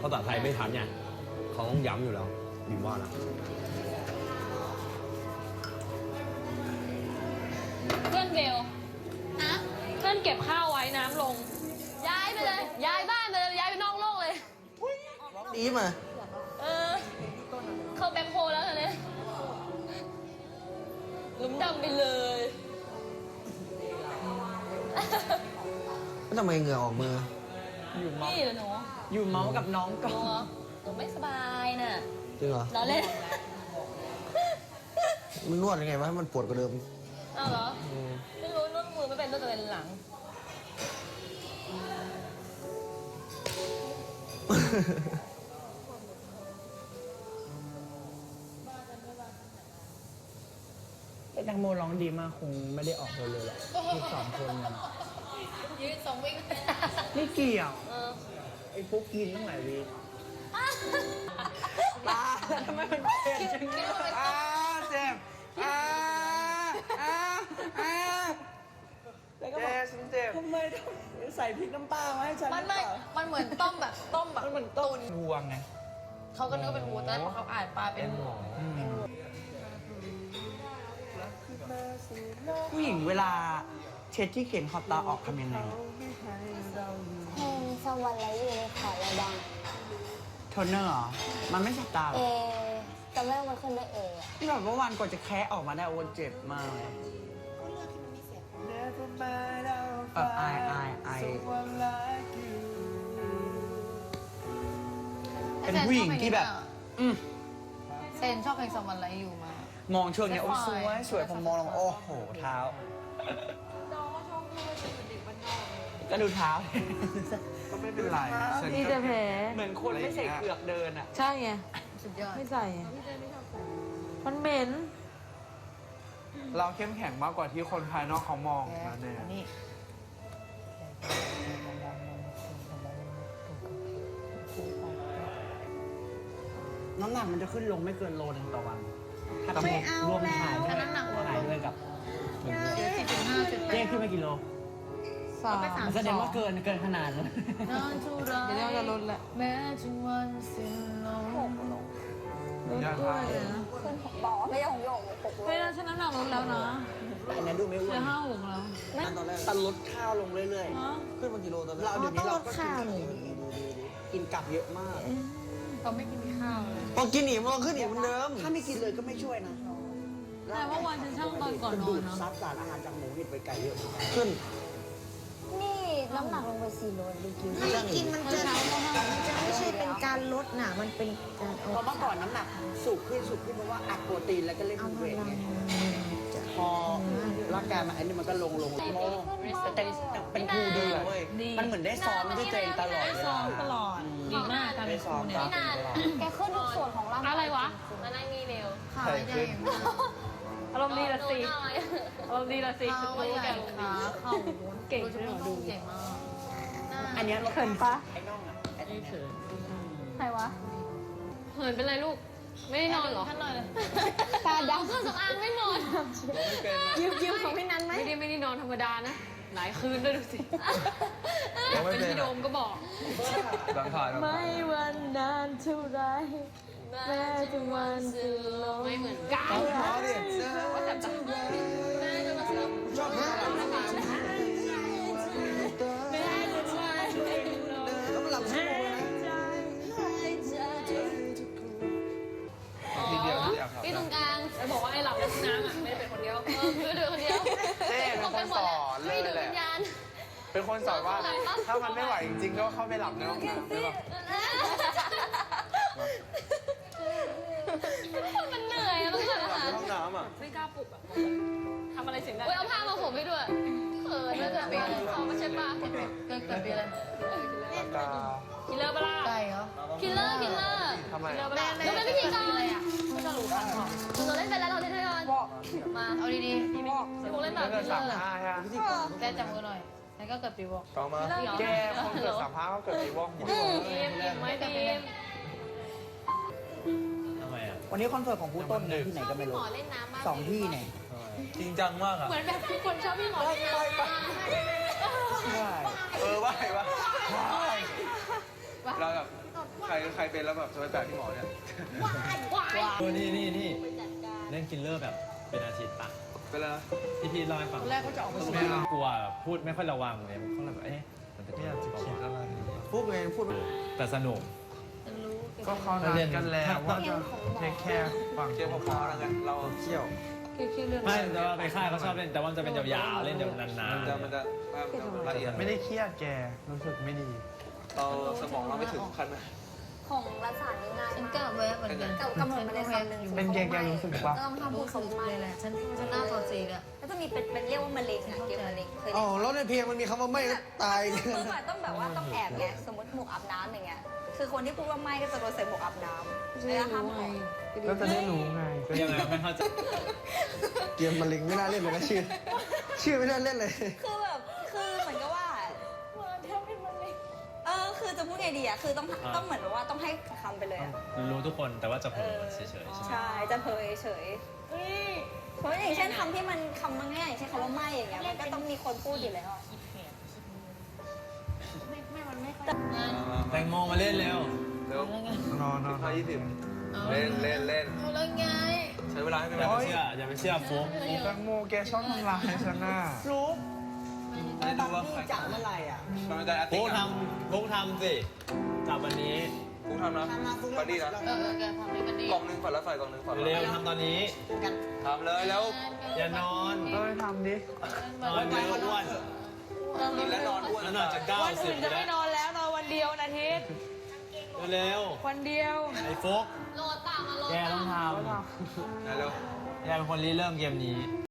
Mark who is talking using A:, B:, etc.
A: ภาษาไทยไม่ทันเนี่ยเขาต้องย้ำอยู่แล้วบีมว่านะ
B: เพื่อนเบลนะเพื่อนเก็บข้าวไว้น้ำลง ย้ายไปเลย ย้ายบ้านไปเลย ย้ายไปนอกโลกเลย
C: ดีมา
B: เข้าแบ็คโฮแล้วเนี่ยหลุมดำไปเลย
C: แล้วทำไมเหงื่อออกมือ
D: อยู่เมา
B: นี่เหรอหนู
D: อยู่เมากับน้อง
B: ห
D: ก่อ
B: นู
D: น
B: เหรอหนูไม่สบายน่ะ
C: จริงเหรอ
B: เราเล่น
C: มันนวดยังไงวะให้มันปวดกว่าเดิม
B: เอาเหรอ ไม่รู้นวดมือไม่เป็นนวดแต่เป็นหลัง
D: แต่แตงโมร้องดีมากคงไม่ได้ออกเลยหรอกที่สองคนมัน
B: ยืนสองวิ่ง
D: ไม่เกี่ยว
B: เออ
D: ไอ้พวกกินตั้งหลายวีตาทำไมมันเจ็บจังเลยเจ็บแล้วก็บอกฉันเจ็บทำไมต้องใส่พริกน้ำปลามาให้ฉัน
B: มันเหมือนต้มแบบ
D: มันเหมือนต้นวัวไง
B: เขาก็นึกว่าเป็นวัวแต่พอเขาอ่านปลาเป็นวัว
D: ผู้หญิงเวลาเช็ดที่เข็นขอบตาออกทำยังไง
E: เพลงสวรรค์ไรอยู่ในขอระดัง
D: โทนเนอร์เหรอ มันไม่สับตาหร
E: เอ
D: อ
E: จำได้ว่ามันขึ้นด้วยเออะ
D: ที่แบบว่าวันก่อนจะแคะออกมาได้โอ้เจ็บมากเลยไอเป็นผู้หญิงที่แบบ
B: เซนชอบเพลงสวรรค์ไรอยู่มาม
D: องช่วงเนี้ยโอ้สวยสวยผมมองลงโอ้โหเท้าก็ดูเท้า
F: ก็ไม่เป็นไรฉัน
G: มีแต่แผล
D: เหมือนคนไม่ใส่เกือกเดินอ่ะ
G: ใช่ไง
B: สุดยอด
G: ไม่ใส่ไงมันเหม็น
F: เราเข้มแข็งมากกว่าที่คนภายนอกเขามองนะเนี่ย
D: นี่น้ำหนักมันจะขึ้นลงไม่เกินโลนึงต่อวัน ถ้าต้องรวมถ่ายด้วย
B: น้ำหนัก
D: ถ่ายด้วยกับ
B: เดี๋ยว4.5จุด
D: เจ๊ขึ้นไปกี่โล
G: สาม
D: มันแสดงว่าเกินขนาดนั้น
B: นอนทุราย
G: เดี๋ยวเราจะลดแหละ
B: แม้ถึงวันสิ้นลม
G: ลดด้วยนะ
E: ขึ้นบอกว่าไม่ใช่ของโยกปก
G: เฮ้ยเราฉันน้ำหนักลดแล้วนะ
D: แต่อันนั้นดูไม่อ้
G: เห
D: ว
G: ลื
D: น
G: อ56แล้ว
C: ตอนแรก
D: แต่ลดข้าวลงเรื่อย
G: ฮะ
C: ขึ้นมากี่โลตอนแรก
D: เราเดี๋ยวนี้เราก็กินกลับเยอะมาก
B: เขาไม่กินข้าวเลย
C: พอกินอีกมันก็ขึ้นอีกเหมือนเดิม
D: ถ้าไม่กินเลยก็ไม่ช่วยนะ
G: แต่เมื่อวานฉันช่างตอนก่อนน
D: ดู
G: อน
D: ด
G: เนาะ
D: ซับสารอาหารจากหมูเห็ดไปไก่เยอะมาก
C: ขึ้น
E: นี่น้ำหนักลงไป4 โลดูกิน
C: ช่างอีก
G: มันจะไม่ใช่เป็นการลดนะมันเป็นการ
D: เพราะเมื่อก่อนน้ำหนักสูงขึ้นเพราะว่าอัดโปรตีนแล้วก็เล่นเวทไงพอร่างกายมันอันนี้มันก็ลงแต่เป็นครูดีเว้ยมันเหมือนได้ซ้อมด้วยตัวเองตลอด
G: ได้ซ้อมตลอดดีมากการเป็นครูเนี่ย
B: ไม่นาน
E: แกขึ้นทุกส่วนของร่างกาย
B: อะไรวะมานั่งนี่เร็วขาใหญ่
G: อารมณ์ดีละสิอารมณ์ดีละสิ
B: ขา
G: รู้
B: ให
G: แก
B: ญ่ขาเข่า
G: เก่งด้วยเหรอดู
B: เก่งมาก
D: อันนี้เรา
G: เขินปะ
D: ไอ้น่องอ่ะไอ้เขิน
G: ใครวะ
B: เหินเป็นไรลูก ไม่ได้นอนเหรอท่านนอนเลย
G: ตาดำ
B: เครื่องสำอางไม่นอน
G: ยิ้มของพี่นันไหม
B: ไม่ได้นอนธรรมดานะ หลายคืนด้วยดูสิเป็นพี่โดมก็บอก
F: ดังถ่าย
G: ไม่วันนานเท่าไรแม้ถึงวันจะลง
B: ไม่เหมือนกัน
C: เอาดิเสื้อ
B: ว่าแต่จะแม่จะมาซื้อ
C: ชอบท่าแล้วมันหลับชั่วโมงนะ
F: ทีเดียวที่อยากทำ
B: พี่ตรงกลางจะบอกว่าไอ้หลับในห้องน้ำอ่ะไม่ได้เป็นคนเดียวคือเดินคนเดียว
F: เจ๊เป็นคนสอนเล
B: ไม่
F: ย
B: ดู
F: แห
B: วิ
F: ละ
B: ญญาณ
F: เป็นคนสอนว่าถ้ามันไม่ไหวจริงๆก็เข้าไปหลับในห้องน้ำใช่ปะ
B: มันเหนื่อยอะมันเหนื่อย
F: หลับ
B: อะ
F: ในห้องน้ำอ่ะ
G: ไม่กล้าปลุกอ่ะทำอะไรเสียงดัง
B: เว้ยเอาผ้ามาผมให้ด้วยเขินแล้วจะเป็นเขาไม่ใช่ป่ะเกิดปีอะไร
F: ปากกา
G: คิลเลอร์ปะล่ะ
B: ไก่เหรอคิลเลอร์
F: ทำไม
G: คิลเลอร์ปะล่ะ
B: เราเป็นพิธีกรไม่ต้องรู้กันเราเล่นไปแล้วเราเล่นด้วยกันมาเอาดีๆพี่พงเล่นแบบ
F: เกิด
B: คิลเลอร์
F: 35ใช่ไหม
B: แกจับมือหน่อยแล้วก็เกิดปีวอก
F: ต่อมาแกคนเกิด35ก็เกิดปีวอกหมด
B: ทีมไม่ทีม
A: ทำไมอ่ะ
D: วันนี้คอนเสิร์ตของผู้ต้นเนี่ยที่ไหนก็ไม่รู้
B: หมอเล่นน้ำมาก
D: 2 ที่เนี่ย
A: จริงจังมากอ่ะ
B: เหมือนแบบทุกคนชอบพี่หมอเล่นน้ำ
D: ใช่
F: ว่าเราแบบใครเป็นแล้วแบบจะไปแปลกที่หมอเนี่ย
A: นี่เล่นกินเลอร์แบบเป็นอาทิตย์ปะ
F: เป็นแล้ว
A: ที่พี่เล่าให้ฟัง
D: ตอนแรกก็จะออกมา
A: ไม่กลัวพูดไม่ค่อยระวังเลยเขาเลยแบบมันจะไม่อยากจะคิดอะไร
C: พูดไงพูด
A: แต่สนุก
F: ก็เขานัดกันแล้วว่าจะเทคแคร์ฝั่ง
C: เกี่ยวกับพอแล้วกันเราเที่ยว
A: ไม่แต่ว่าไปค่ายเขาชอบเล่นแต่ว่ามันจะเป็นยาวๆเล่นยาวนาน
C: มันจะละเอียด
F: ไม่ได้เครียดแกรู้สึกไม่ดี
C: เราสมองเราไม่ถึงขั้นนะ
E: ของรัฐศาสตร์นี่ง่าย
G: ฉัน
E: มาก
G: ก็ไว้เหมือนกัน
E: กำหนดมาในคำหนึ่ง
F: เป็นแกรู้สึกปะ
E: ก็ต้องห้ามพูดคำว่าไม่
G: เลยแหละฉันหน้าตัวสีอะ
E: แล้วจะมีเป็นเรียกว่ามะเร็งอะเกมมะเร็งเคย
C: อ๋อแล้วในเพลงมันมีคำว่าไม่ก็ตาย
E: คือต้องแบบว่าต้องแอบไงสมมติหมวกอาบน้ำอย่างเงี้ยคือคนที่พูดว่าไม่ก็จะโดนใส่หมวกอาบน้ำแล้วห้ามออก
F: ก็จะได้รู้ไง
A: ๆยังไงไม่เข้าใจ
C: เกมมะเร็งไม่น่าเล่นเลยนะชื่อไม่น่าเล่นเลย
E: คือแบบคือเหมือนกับว่าคือจะพูดไงดีอะคือต้องเหมือนว่าต้องให้คำไปเลยอะ
A: รู้ทุกคนแต่ว่าจะเผลอเฉยๆใช่ไหม
E: ใช่จะเผยเฉยเพราะอย่างเช่นคำที่มันคำมันง่ายอย่างเช่นคำว่าไม่อย่างเงี้ยมันก็ต้องมีคนพูดอยู่แล้ว
A: แตงโมมาเล่นเร็ว
C: เร็วน
F: อน
C: 20 เล่น
G: เอาแล้วไง
C: ใช้เวลาให้เป็น
A: อย่าไปเชื่ออย่าไปเชื่อฟุ๊ก
F: แตงโมแกชอบทำลายฉันน่ะ
D: รู้
C: ไม่
D: ตอ
C: รู้
D: น
C: ว่า
D: ที่จับเมื่อไหร่อ่ะ
C: มันเป็นการแอคติ้
A: ฟุ๊กทำสิจับวันนี้
C: ฟุ๊กทำนะ
D: ทำมาฟุ้ง
C: ปาดีนะ
G: แกทำให้มันดี
C: กล่องหนึ่งฝันละไฟกล่องหนึ่งฝันละ
A: เร็วทำตอนนี้
D: กัน
C: ทำเลยแล้ว
A: อย่านอน
F: เอ้ยทำดิ
A: นอนเยอะอ้วน
C: กินแล้วนอนอ้วน
A: แล้วนอนจะ
B: วันอื่น
A: 90
B: จะ
A: แล้
B: ไม่
A: วน
B: อนแล้วนอนวันเดียวนะทิศ
A: เร็ว
B: วันเดียว
A: ไอ้ฟุ๊ก
G: โหลดตามมาโหลด
A: แกต้องท
C: เร็ว
A: ำแกเป็นคนริเริ่มเกมนี้